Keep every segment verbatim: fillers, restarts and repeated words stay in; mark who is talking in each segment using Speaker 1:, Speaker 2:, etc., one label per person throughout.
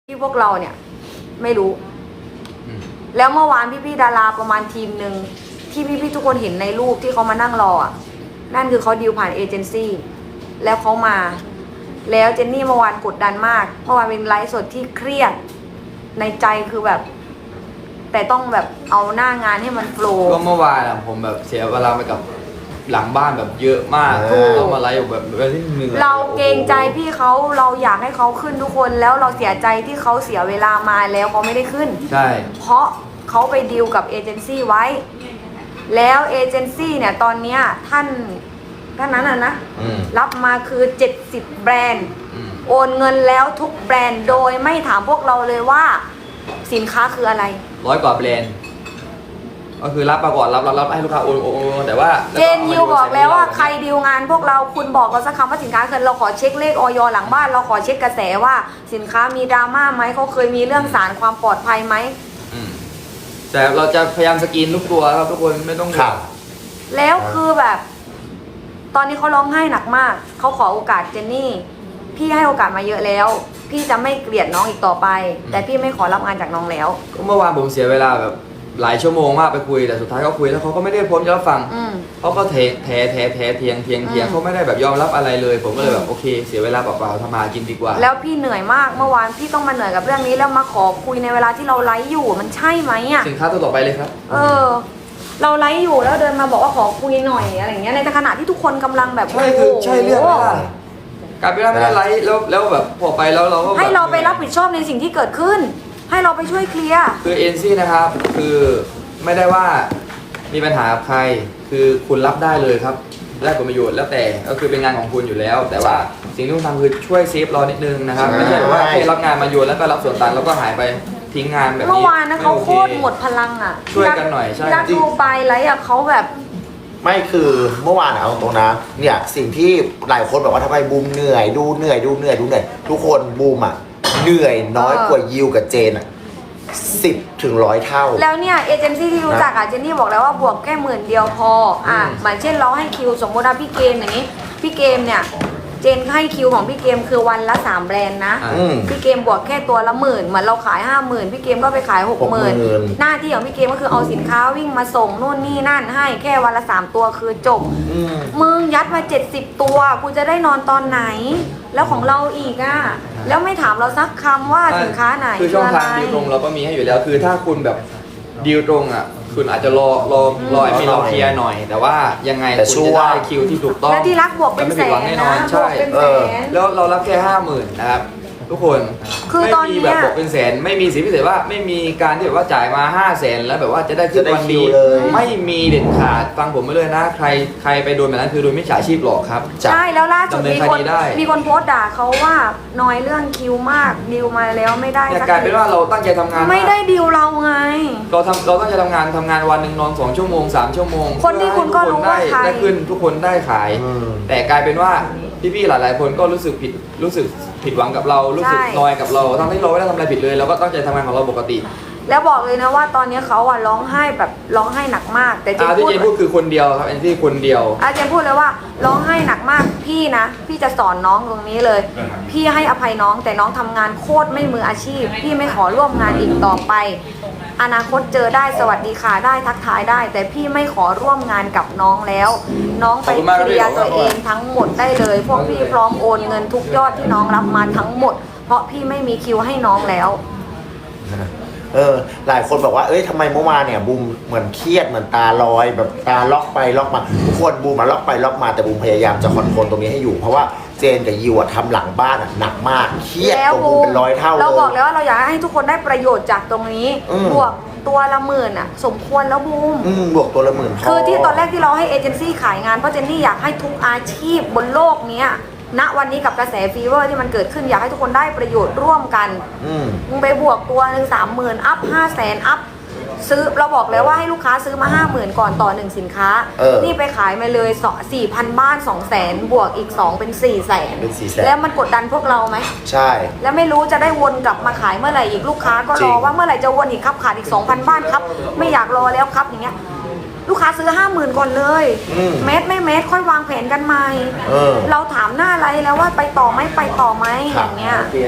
Speaker 1: ที่พวกเราเนี่ยไม่รู้แล้วเมื่อวานพี่ๆดาราประมาณทีมหนึ่งที่พี่ๆทุกคนเห็นในรูปที่เขามานั่งรออ่ะนั่นคือเขาดีลผ่านเอเจนซี่แล้วเขามาแล้วเจนนี่เมื่อวานกดดันมากเมื่อวานเป็นไลฟ์สดที่เครียดในใจคือแบบแต่ต้องแบบเอาหน้างานให้มันโฟล์
Speaker 2: ก็เมื่อวานอะผมแบบเสียเวลาไปกับหลังบ้านแบบเยอะมากต้องมาไลฟ์แบบแบบที่เหนื่อย
Speaker 1: เราเกรงใจพี่เขาเราอยากให้เขาขึ้นทุกคนแล้วเราเสียใจที่เขาเสียเวลามาแล้วเขาไม่ได้ขึ้น
Speaker 2: ใช่
Speaker 1: เพราะเขาไปดีลกับเอเจนซี่ไว้แล้วเอเจนซี่เนี่ยตอนเนี้ยท่านท่านนั้นน่ะนะรับมาคือเจ็ดสิบแบรนด์โอนเงินแล้วทุกแบรนด์โดยไม่ถามพวกเราเลยว่าสินค้าคืออะไร
Speaker 2: ร้อยกว่าแบรนด์ก็คือรับมาก่อนรับรับรับให้ลูกค้าโอนโอนแต่ว่า
Speaker 1: เจนยิวบอกแล้วว่าใครดีลงานพวกเราคุณบอกเราสักคำว่าสินค้าคือเราขอเช็คเลขออยหลังบ้านเราขอเช็คกระแสว่าสินค้ามีดราม่าไหมเขาเคยมีเรื่องสารความปลอดภัยไหม
Speaker 2: แต่เราจะพยายามสกรีนทุกตัวครับทุกคนไม่ต้อง
Speaker 3: ข่าว
Speaker 1: แล้วคือแบบตอนนี้เขาร้องไห้หนักมากเขาขอโอกาสเจนนี่พี่ให้โอกาสมาเยอะแล้วพี่จะไม่เกลียดน้องอีกต่อไปแต่พี่ไม่ขอรับงานจากน้องแล้ว
Speaker 2: ก็เมื่อวานผมเสียเวลาแบบหลายชั่วโมงมากไปคุยแต่สุดท้ายเขาคุยแล้วเขาก็ไม่ได้พร้อมจะรับฟังเขาก็เทแท้แท้แท้เทียงเทียงเทียงเขาไม่ได้แบบยอมรับอะไรเลยผมก็เลยแบบโอเคเสียเวลาเปล่าๆทำมากินดีกว่า
Speaker 1: แล้วพี่เหนื่อยมากเมื่อวานพี่ต้องมาเหนื่อยกับเรื่องนี้แล้วมาขอคุยในเวลาที่เราไลฟ์อยู่มันใช่ไหมอ่ะ
Speaker 2: สินค้าตัวต่อไปเลยครับ
Speaker 1: เออเราไลฟ์อยู่แล้วเดินมาบอกว่าขอคุยหน่อยอะไรอย่างเงี้ยในขณะที่ทุกคนกำลังแบบ
Speaker 2: ใช่คือใช่เรื่องอะไรการไปรับไม่ได้ไลฟ์แล้วแล้วแบบพอไปแล้วเราก็
Speaker 1: ให้เราไปรับผิดชอบในสิ่งที่เกิดขึ้นให้เราไปช่วยเคลียร์
Speaker 2: คือเอ็นซี่นะครับคือไม่ได้ว่ามีปัญหากับใครคือคุณรับได้เลยครับได้ผลประโยชน์แล้วแต่ก็คือเป็นงานของคุณอยู่แล้วแต่ว่าสิ่งที่คุณทำคือช่วยเซฟเรานิดนึงนะครับไม่ใช่แบบว่าให้รับงานมาโยนแล้วก็รับส่วนต่างแล้วก็หายไปทิ้งงานแบบนี้
Speaker 1: เมื่อวานนะเขาโคตรหมดพลังอ่ะ
Speaker 2: ช่วยกันหน่อยใช่
Speaker 1: รักดูไปไรอ่ะเขาแบบ
Speaker 3: ไม่คือเมื่อวานเอาตรงนะเนี่ยสิ่งที่หลายคนบอกว่าทำไมบูมเหนื่อยดูเหนื่อยดูเหนื่อยดูเหนื่อยทุกคนบูมอ่ะเหนื่อยน้อยกว่ายิวกับเจนอ่ะสิบถึงร้อยเท่า
Speaker 1: แล้วเนี่ยเอเจนซี่ที่รู้จักอ่ะเจนนี่บอกแล้วว่าบวกแค่หมื่นเดียวพออ่ะเหมือนเช่นเราให้คิวสมมติว่าพี่เกมอย่างนี้พี่เกมเนี่ยเจนให้คิวของพี่เกมคือวันละสามแบรนด์นะพี่เกมบวกแค่ตัวละหมื่นเหมือนเราขายห้าหมื่นพี่เกมก็ไปขายหกหมื่นหน้าที่ของพี่เกมก็คือเอาสินค้าวิ่งมาส่งนู่นนี่นั่นให้แค่วันละสามตัวคือจบมึงยัดมาเจ็ดสิบตัวกูจะได้นอนตอนไหนแล้วของเราอีกอ่ะแล้วไม่ถามเราสักคำว่าสินค้าไหน
Speaker 2: คือช่องทางดีลตรงเราก็มีให้อยู่แล้วคือถ้าคุณแบบดีลตรงอ่ะคุณอาจจะรอรอรอมีรอเคลียร์หน่อยแต่ว่ายังไงคุณจะได้คิวที่ถูกต้อง
Speaker 1: และที่รักบวกเป็นแสนนะ
Speaker 2: ใช่แล้วเรารับแค่ห้าหมื่นนะครับทุกคนไม่มีแบบบวกเป็นแสนไม่มีสิทธิพิเศษว่าไม่มีการที่แบบว่าจ่ายมาห้าแสนแล้วแบบว่าจะได้ขึ้นวันดีไม่มีเด็ดขาดฟังผมไปเลยนะใครใครไปโดนแบบนั้นคือโดนมิจฉาชีพหลอกครับ
Speaker 1: ใช่แล้วล่าสุดมีคนมีคนโพสต์ด่าเขาว่าน้อยเรื่องคิวมากดีลมาแล้วไม่ได้
Speaker 2: กลายเป็นว่าเราตั้งใจทำงาน
Speaker 1: ไม่ได้ดีลเราไง
Speaker 2: เราทำเราตั้งใจทำงานทำงานวันหนึ่งนอนสองชั่วโมงสามชั่วโมง
Speaker 1: คนที่คุณก็รู้ว่าใคร
Speaker 2: ได้ขึ้นทุกคนได้ขายแต่กลายเป็นว่าพี่ๆหลายๆคนก็รู้สึกผิดรู้สึกผิดหวังกับเรารู้สึกนอยกับเราทั้งที่เราไม่ได้ทำอะไรผิดเลยเราก็ตั้งใจทำงานของเราปกติ
Speaker 1: แล้วบอกเลยนะว่าตอนนี้เขาอะร้องไห้แบบร้องไห้หนักมากแต่เจน
Speaker 2: พูดที่เจนพูดคือคนเดียวครับอันที่คนเดียว
Speaker 1: อาเจนพูดเลยว่าร้องไห้หนักมากพี่นะพี่จะสอนน้องตรงนี้เลยพี่ให้อภัยน้องแต่น้องทำงานโคตรไม่มืออาชีพพี่ไม่ขอร่วมงานอีกต่อไปอนาคตเจอได้สวัสดีค่ะได้ทักทายได้แต่พี่ไม่ขอร่วมงานกับน้องแล้วน้องไปเคลียร์ตัวเองทั้งหมดได้เลยพวกพี่พร้อมโอนเงินทุกยอดที่น้องรับมาทั้งหมดเพราะพี่ไม่มีคิวให้น้องแล้ว
Speaker 3: เออหลายคนบอกว่าเอ้ยทำไมเมื่อวานเนี่ยบูมเหมือนเครียดเหมือนตาลอยแบบตาล็อกไปล็อกมาทุกคนบูมมาล็อกไปล็อกมาแต่บูมพยายามจะคอนโทรลตรงนี้ให้อยู่เพราะว่าเจนกับยิวทำหลังบ้านหนักมากเครียดกว่าบูมเป็นร้อยเท่าเลย
Speaker 1: เราบอกแล้วว่าเราอยากให้ทุกคนได้ประโยชน์จากตรงนี้บวกตัวละหมื่นอ่ะสมควรแล้วบูม
Speaker 3: บวกตัวละหมื่น
Speaker 1: คือที่ตอนแรกที่เราให้เอเจนซี่ขายงานเพราะเจนนี่อยากให้ทุกอาชีพบนโลกนี้ณวันนี้กับกระแสฟีเวอร์ที่มันเกิดขึ้นอยากให้ทุกคนได้ประโยชน์ร่วมกันมึงไปบวกตัวหนึ่งสามหมื่นอัพห้าแสนอัพซื้อเราบอกแล้วว่าให้ลูกค้าซื้อมาห้าหมื่นก่อนต่อหนึ่งสินค้านี่ไปขายมาเลยสี่พันบ้านสองแสนบวกอีกสองเป็นสี่แสนแล้วมันกดดันพวกเราไหม
Speaker 3: ใช่
Speaker 1: แล้วไม่รู้จะได้วนกลับมาขายเมื่อไหร่อีกลูกค้าก็รอว่าเมื่อไหร่จะวนอีกครับขาดอีกสองพันบ้านครับไม่อยากรอแล้วครับอย่างเงี้ยลูกค้าซื้อห้าหมื่นก่อนเลยเม็ดไม่เม็ดค่อยวางแผนกันใหม่เราถามหน้าอะไรแล้วว่าไปต่อไหมไปต่อไหมอย่างเงี้ย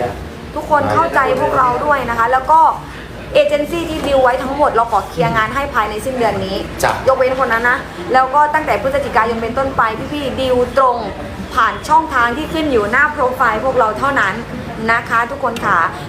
Speaker 1: ทุกคนเข้าใจพวกเราด้วยนะคะ แล้วก็เอเจนซี่ที่ดีลไว้ทั้งหมดเราขอเคลียร์งานให้ภายในสิ้นเดือนนี้
Speaker 3: จ้ะ
Speaker 1: ยกเว้นคนนั้นนะแล้วก็ตั้งแต่พฤศจิกายนเป็นต้นไปพี่ๆดีลตรงผ่านช่องทางที่ขึ้นอยู่หน้าโปรไฟล์พวกเราเท่านั้นนะคะ ทุกคนค่ะ